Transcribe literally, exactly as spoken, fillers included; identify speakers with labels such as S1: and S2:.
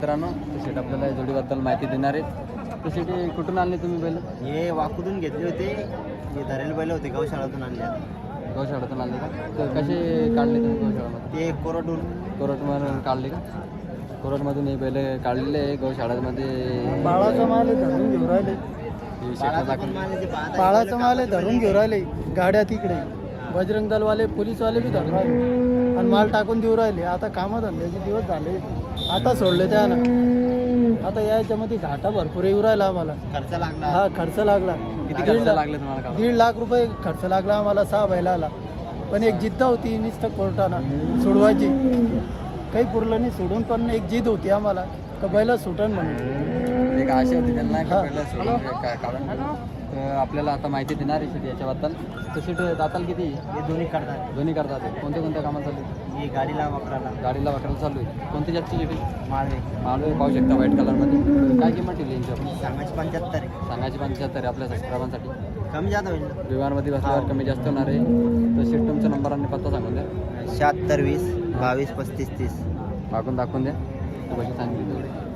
S1: मित्रांनो शेट आपल्याला या जोडीबद्दल माहिती देणार आहेत. तर शेटी कुठून आणले तुम्ही बैल?
S2: हे वाकुदून घेतले होते, हे धरेल बैल होते, गौशाळातून आणले.
S1: गौशाळातून आणले का? तर कसे काढले तुम्ही गौशाळामध्ये?
S2: ते कोरडून
S1: कोरटमधून काढले का? कोरटमधून हे बैल काढलेले आहे गौशाळामध्ये.
S3: बाळाचा माल आहे, धरून घेऊन राहिले.
S1: हे शेतात दाखवले.
S3: बाळाचा माल आहे, धरून घेऊन राहिले. गाड्या तिकडे बजरंग दलवाले पोलीसवाले बी धरून राहिले आणि माल टाकून देऊ राहिले. आता कामं धंद्याचे दिवस झाले, आता सोडले त्याला. आता याच्यामध्ये घाटा भरपूर येऊ राहिला आम्हाला.
S2: खर्च लागला.
S3: हा खर्च लागला.
S1: किती
S3: दीड
S1: खर्च
S3: लाख
S1: लागले तुम्हाला का?
S3: दीड लाख रुपये खर्च लागला आम्हाला सहा बैलाला. पण एक जिद्द होती नुसतं कोर्टानं सोडवायची, काही पुरलं नाही सोडून. पण एक जिद होती आम्हाला का बैला सुटन म्हणून.
S1: एक आशा होती त्यांना की
S3: हा.
S1: बैल सोडून का- काढून घेऊ. तर आपल्याला आता माहिती देणार आहे शेटी याच्याबद्दल. तर शेट दाताल किती?
S2: हे दोन्ही करतात.
S1: दोन्ही करतात. कोणत्या कोणत्या कामात चालू आहे?
S2: हे गाडीला वापरायला
S1: गाडीला वाटायला चालू आहे. कोणती जास्ती शेटी?
S2: माळवे
S1: मालवे पाहू शकता व्हाईट कलरमध्ये. काय किंमत ठेवली यांची आपण?
S2: सांगायची पंच्याहत्तर आहे.
S1: सांगायची पंच्याहत्तर आहे आपल्या सबस्क्रायबांसाठी.
S2: कमी जात होईल.
S1: विमानमध्ये बसल्यावर कमी जास्त होणार आहे. तर शेट तुमचा नंबर आणि पत्ता सांगून द्या.
S2: शहात्तर वीस बावीस पस्तीस तीस.
S1: मागून दाखवून द्या. तू कशी सांगितली तेवढी.